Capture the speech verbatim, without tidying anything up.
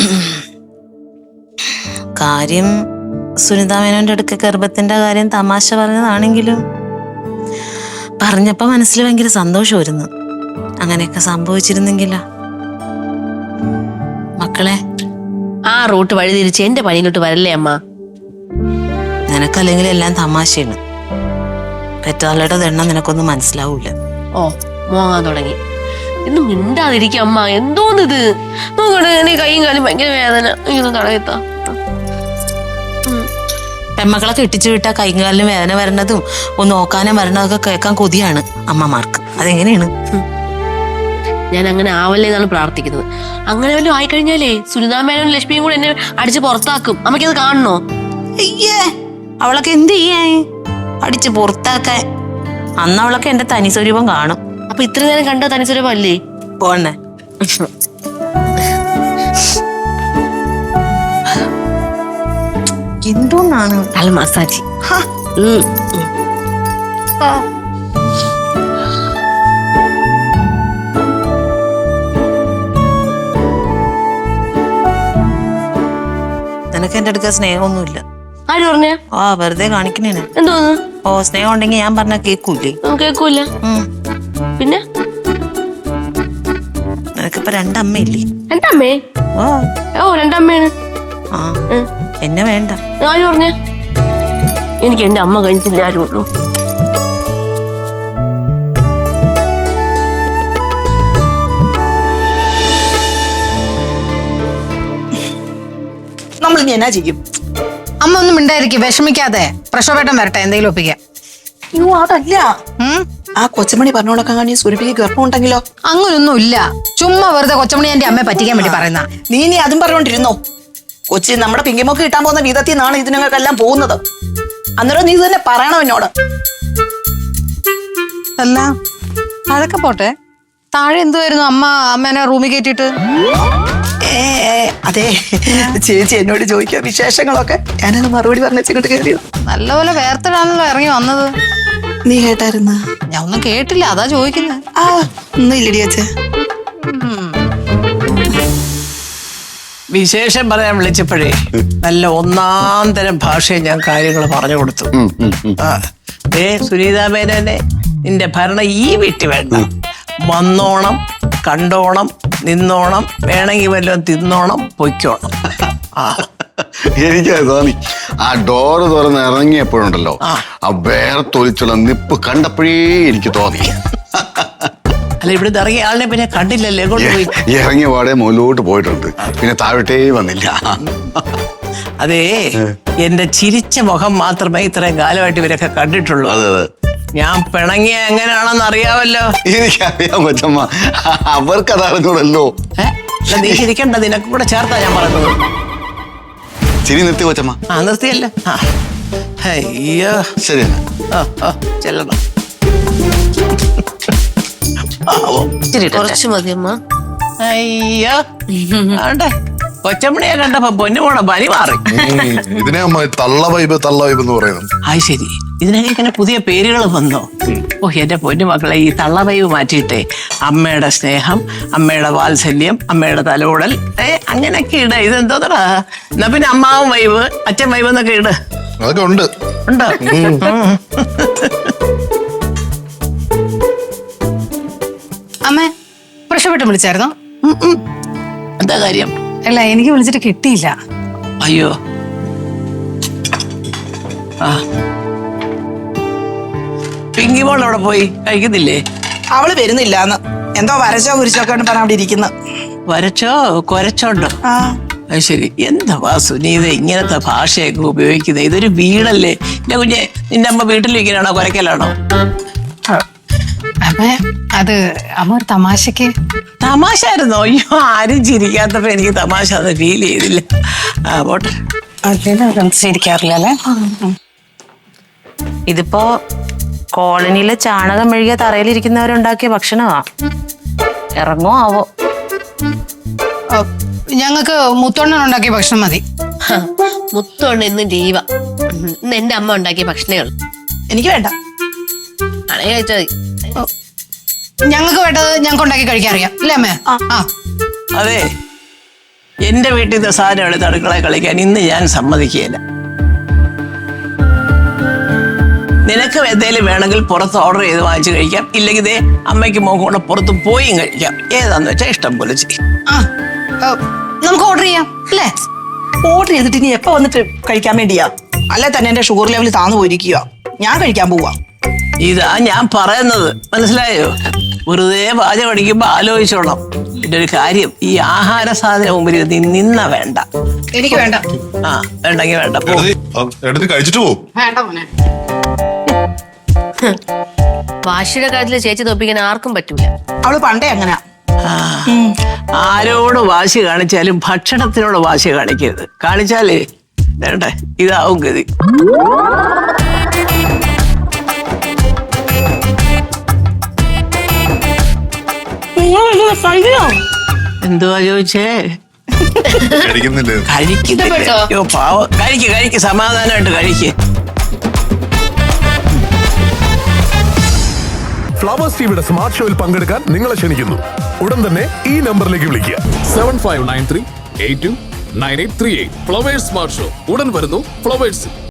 കാര്യം സുനിത മേനോന്റെ അടുക്ക ഗർഭത്തിന്റെ കാര്യം തമാശ പറഞ്ഞതാണെങ്കിലും പറഞ്ഞപ്പോ മനസ്സിൽ ഭയങ്കര സന്തോഷമായിരുന്നു. അങ്ങനെയൊക്കെ സംഭവിച്ചിരുന്നെങ്കിലാ. മക്കളെ, ആ റൂട്ട് വഴി തിരിച്ച് എന്റെ പണിയിലോട്ട് വരല്ലേ അമ്മ? നിനക്കല്ലെങ്കിൽ എല്ലാം തമാശയാണ്. പെറ്റാളുടെ എണ്ണം നിനക്കൊന്നും മനസ്സിലാവൂല. ഓ, മോങ്ങാൻ തുടങ്ങി. ഇന്ന് മിണ്ടാതിരിക്കും അമ്മ. എന്തോന്നിത് നോക്കണേ, എന്റെ കൈയും കാലും ഭയങ്കര വേദന. ഇങ്ങനെ തടയത്താ. പെമ്മക്കളെ കെട്ടിച്ചു വിട്ടാ കൈയും കാലിനും വേദന വരണതും ഒന്ന് നോക്കാനും വരണതൊക്കെ കേൾക്കാൻ കൊതിയാണ് അമ്മമാർക്ക്. അതെങ്ങനെയാണ്? ഞാൻ അങ്ങനെ ആവല്ലേ എന്നാണ് പ്രാർത്ഥിക്കുന്നത്. അങ്ങനെ വല്ലതും ആയിക്കഴിഞ്ഞാലേ സുനിതാ മേനോനും ലക്ഷ്മിയും കൂടെ എന്നെ അടിച്ച് പുറത്താക്കും. അമ്മയ്ക്കത് കാണണോ? അയ്യേ, അവളൊക്കെ എന്ത് ചെയ്യേ അടിച്ച് പുറത്താക്കാൻ? അന്ന് അവളൊക്കെ എന്റെ തനി സ്വരൂപം കാണും. അപ്പൊ ഇത്ര നേരം കണ്ട തനി സ്വരൂപം അല്ലേ? പോണേ. എന്തുകൊണ്ടാണ് അല്ല മസാജ്. നിനക്ക് എന്റെ അടുക്ക സ്നേഹമൊന്നുമില്ല. ആര് പറഞ്ഞ? ആ, വെറുതെ കാണിക്കണേന്. എന്തോന്ന്? ഓ, സ്നേഹം ഉണ്ടെങ്കിൽ ഞാൻ പറഞ്ഞ കേക്കൂലേ? കേക്കൂല. പിന്നെ നിനക്കിപ്പ രണ്ടമ്മയില്ലേ? രണ്ടമ്മേ? ഓ ഓ രണ്ടമ്മയാണ്. ആ, എന്നെ വേണ്ട. ആര് പറഞ്ഞ? എനിക്ക് എന്റെ അമ്മ കഴിഞ്ഞിട്ടില്ല ആരും ഉള്ളൂ. നമ്മൾ ഇനി എന്നാ ചെയ്യും? അമ്മ ഒന്നും മിണ്ടായിരിക്കും, വിഷമിക്കാതെ. പ്രക്ഷോഭേട്ടം വരട്ടെ, എന്തെങ്കിലും ഒപ്പിക്കാം. അയ്യോ, അതല്ല. ആ കൊച്ചമണി പറഞ്ഞോളൊക്കെ കാണി സുരഭിക്ക് ഗർഭം ഉണ്ടെങ്കിലോ? അങ്ങനൊന്നും ഇല്ല. ചുമ്മാ വെറുതെ കൊച്ചമണി എന്റെ അമ്മയെ പറ്റിക്കാൻ വേണ്ടി പറയുന്ന. നീ ഇനി അതും പറഞ്ഞോണ്ടിരുന്നോ? കൊച്ചി നമ്മുടെ പിങ്കിമൊക്കെ കിട്ടാൻ പോകുന്ന വിധത്തിൽ നിന്നാണ് ഇതിനൊക്കെല്ലാം പോകുന്നത്. അന്നേരം നീ തന്നെ പറയണം എന്നോട്. അല്ല, അതൊക്കെ പോട്ടെ. താഴെ എന്തുവായിരുന്നു അമ്മ അമ്മേനെ റൂമിൽ കയറ്റിട്ട്? ഏ അതെ, ചേച്ചി എന്നോട് ചോദിക്കുക വിശേഷങ്ങളൊക്കെ. ഞാനത് മറുപടി പറഞ്ഞിട്ട് കയറിയത്. നല്ലപോലെ വേർത്തിടാണല്ലോ ഇറങ്ങി വന്നത്. നീ കേട്ടായിരുന്ന? ഞാൻ ഒന്നും കേട്ടില്ല, അതാ ചോദിക്കുന്നത്. ആ, ഒന്നും ഇല്ലടി അച്ഛാ. വിശേഷം പറയാൻ വിളിച്ചപ്പോഴേ നല്ല ഒന്നാം തരം ഭാഷയെ ഞാൻ കാര്യങ്ങൾ പറഞ്ഞു കൊടുത്തു. ആ, ഏ സുനീതാ മേനോനെ, നിന്റെ ഭരണം ഈ വീട്ടിൽ വേണ്ട. വന്നോണം, കണ്ടോണം, നിന്നോണം, വേണമെങ്കിൽ വല്ലതും തിന്നോണം, പൊയ്ക്കോണം. ആ, എനിക്ക് തോന്നി ആ ഡോറ് തുറന്ന് ഇറങ്ങിയപ്പോഴുണ്ടല്ലോ, ആ വേർത്തൊലിച്ചുള്ള നിപ്പ് കണ്ടപ്പോഴേ എനിക്ക് തോന്നി. അല്ല, ഇവിടുന്ന് ഇറങ്ങിയ ആളിനെ പിന്നെ കണ്ടില്ലല്ലേ? കൊണ്ടുപോയി ഇറങ്ങിയ പാടെ മുകളിലോട്ട് പോയിട്ടുണ്ട്, പിന്നെ താഴോട്ടേ വന്നില്ല. അതേ, എന്റെ ചിരിച്ച മുഖം മാത്രമേ ഇത്രയും കാലമായിട്ട് ഇവരൊക്കെ കണ്ടിട്ടുള്ളൂ. അതെ അതെ, ഞാൻ പിണങ്ങിയ എങ്ങനെയാണെന്ന് അറിയാമല്ലോ. എനിക്കറിയാൻ കൊച്ചമ്മ, അവർക്ക് അതറിഞ്ഞൂടല്ലോ. ഏഹ് നീ ചിരിക്കണ്ട, നിനക്ക് കൂടെ ചേർത്താ ഞാൻ പറഞ്ഞത്. ചിരി നിർത്തി കൊച്ചമ്മ. ആ, നിർത്തിയല്ലോ. അയ്യോ, ശരി, ചെല്ലണം. കുറച്ച് മതി അമ്മ. അയ്യോ, ആണ്ടെ കൊച്ചമ്മണിയെ കണ്ടപ്പോ പൊന്നുമോണ പനി മാറി. ഇതിനെ അമ്മ തള്ള വൈബ് തള്ള വൈബ് എന്ന് പറയുന്നത്. അത് ശരി, ഇതിനൊക്കെ ഇങ്ങനെ പുതിയ പേരുകൾ വന്നോ? ഓ, എന്റെ പൊന്നുമക്കളെ, ഈ തള്ള വൈബ് മാറ്റിയിട്ടേ അമ്മയുടെ സ്നേഹം, അമ്മയുടെ വാത്സല്യം, അമ്മയുടെ തലോടൽ, ഏ അങ്ങനെയൊക്കെ ഇട. ഇതെന്തോന്നടാ? എന്നാ പിന്നെ അമ്മാവും വൈബ്, അച്ഛൻ വൈബ് എന്നൊക്കെ ഇട്. അതൊക്കെ ഉണ്ട്. ഉണ്ടോ? അമ്മേ, പ്രക്ഷോഭേട്ടം വിളിച്ചായിരുന്നോ? എന്താ കാര്യം? അല്ല, എനിക്ക് വിളിച്ചിട്ട് കിട്ടിയില്ല. അയ്യോ, ആ പിങ്കി മോൾ അവിടെ പോയി കഴിക്കുന്നില്ലേ? അവള് വരുന്നില്ലാന്ന് എന്തോ വരച്ചോ കുരിച്ചോ ഒക്കെ പറഞ്ഞ അവിടെ ഇരിക്കുന്നു. വരച്ചോ കൊരച്ചോണ്ടോ? ആ, അത് ശരി. എന്താ സുനീത ഇങ്ങനത്തെ ഭാഷയൊക്കെ ഉപയോഗിക്കുന്നത്? ഇതൊരു വീടല്ലേ എന്റെ കുഞ്ഞെ. നിന്റെ അമ്മ വീട്ടിലിരിക്കലാണോ കൊരക്കലാണോ? അമ്മേ, അത് അമ്മ ഒരു തമാശക്ക്. തമാശ ആയിരുന്നോ? അയ്യോ, ആരും ചിരിക്കാത്തപ്പോ എനിക്ക് തമാശ അത് ഫീൽ ചെയ്തില്ല. ആ, പോട്ടെ. ശരിക്കാറില്ല അല്ലേ? ഇതിപ്പോ കോളനിയിലെ ചാണകം മെഴുകിയ തറയിലിരിക്കുന്നവരുണ്ടാക്കിയ ഭക്ഷണമാ. ഇറങ്ങോ ആവോ? ഞങ്ങൾക്ക് മുത്തോണ്ണൻ ഉണ്ടാക്കിയ ഭക്ഷണം മതി. മുത്തോണ്ട് ഇന്ന് ലീവ. ഇന്ന് എന്റെ അമ്മ ഉണ്ടാക്കിയ ഭക്ഷണേ ഉള്ളൂ. എനിക്ക് വേണ്ട. ആണേ കഴിച്ചാൽ മതി. ഞങ്ങൾക്ക് വേണ്ടത് ഞങ്ങൾക്ക് ഉണ്ടാക്കി കഴിക്കാൻ അറിയാം അല്ലേ അമ്മേ? ആ, അതെ, എന്റെ വീട്ടിൽ നിന്ന് സാധനം എടുത്ത് അടുക്കള കളിക്കാൻ ഇന്ന് ഞാൻ സമ്മതിക്കുകയില്ല. നിനക്ക് എന്തേലും വേണമെങ്കിൽ പുറത്ത് ഓർഡർ ചെയ്ത് വാങ്ങിച്ചു കഴിക്കാം, ഇല്ലെങ്കിൽ ദേ അമ്മയ്ക്ക് മോക്കും കൂടെ പുറത്ത് പോയും കഴിക്കാം. ഏതാന്ന് വെച്ചാൽ ഇഷ്ടം പോലെ ചെയ്യും. ആ ആ, നമുക്ക് ഓർഡർ ചെയ്യാം അല്ലേ? ഓർഡർ ചെയ്തിട്ട് ഇനി എപ്പോ വന്നിട്ട് കഴിക്കാൻ വേണ്ടിയാ? അല്ലെ തന്നെ എന്റെ ഷുഗർ ലെവൽ താന്നു പോയിരിക്കുക. ഞാൻ കഴിക്കാൻ പോവാ. ഇതാ ഞാൻ പറയുന്നത്, മനസ്സിലായോ? വെറുതെ പാചകം അടിക്കുമ്പോ ആലോചിച്ചോളാം. പിന്നെ ഒരു കാര്യം, ഈ ആഹാര സാധനം മുമ്പിൽ നീ നിന്ന വേണ്ട. എനിക്ക് വേണ്ട. ആ വേണ്ടെങ്കിൽ വേണ്ട, പോ. എടുത്ത് ആ, എടുത്ത് കഴിച്ചിട്ട് പോവും. വേണ്ട മോനെ. വാശിയുടെ കാര്യത്തിൽ ചേച്ചി തോപ്പിക്കാൻ ആർക്കും പറ്റൂല. അവള് പണ്ടേ അങ്ങനെ. ആ, ആരോട് വാശി കാണിച്ചാലും ഭക്ഷണത്തിനോട് വാശി കാണിക്കരുത്. കാണിച്ചാലേ വേണ്ടേ ഇതാവും ഗതി. എന്തുവാ ചോദിച്ചേ? കഴിക്കുന്നില്ലേ? കഴിക്കുന്നില്ല. അയ്യോ പാവം, കഴിക്ക് കഴിക്ക്, സമാധാനമായിട്ട് കഴിക്ക്. ഫ്ലവേഴ്സ് ടിവിയുടെ സ്മാർട്ട് ഷോയിൽ പങ്കെടുക്കാൻ നിങ്ങളെ ക്ഷണിക്കുന്നു. ഉടൻ തന്നെ ഈ നമ്പറിലേക്ക് വിളിക്കുക. Seven five nine three eight two nine eight three eight. Flowers smart show ഉടൻ വരുന്നു ഫ്ലവേഴ്സ്.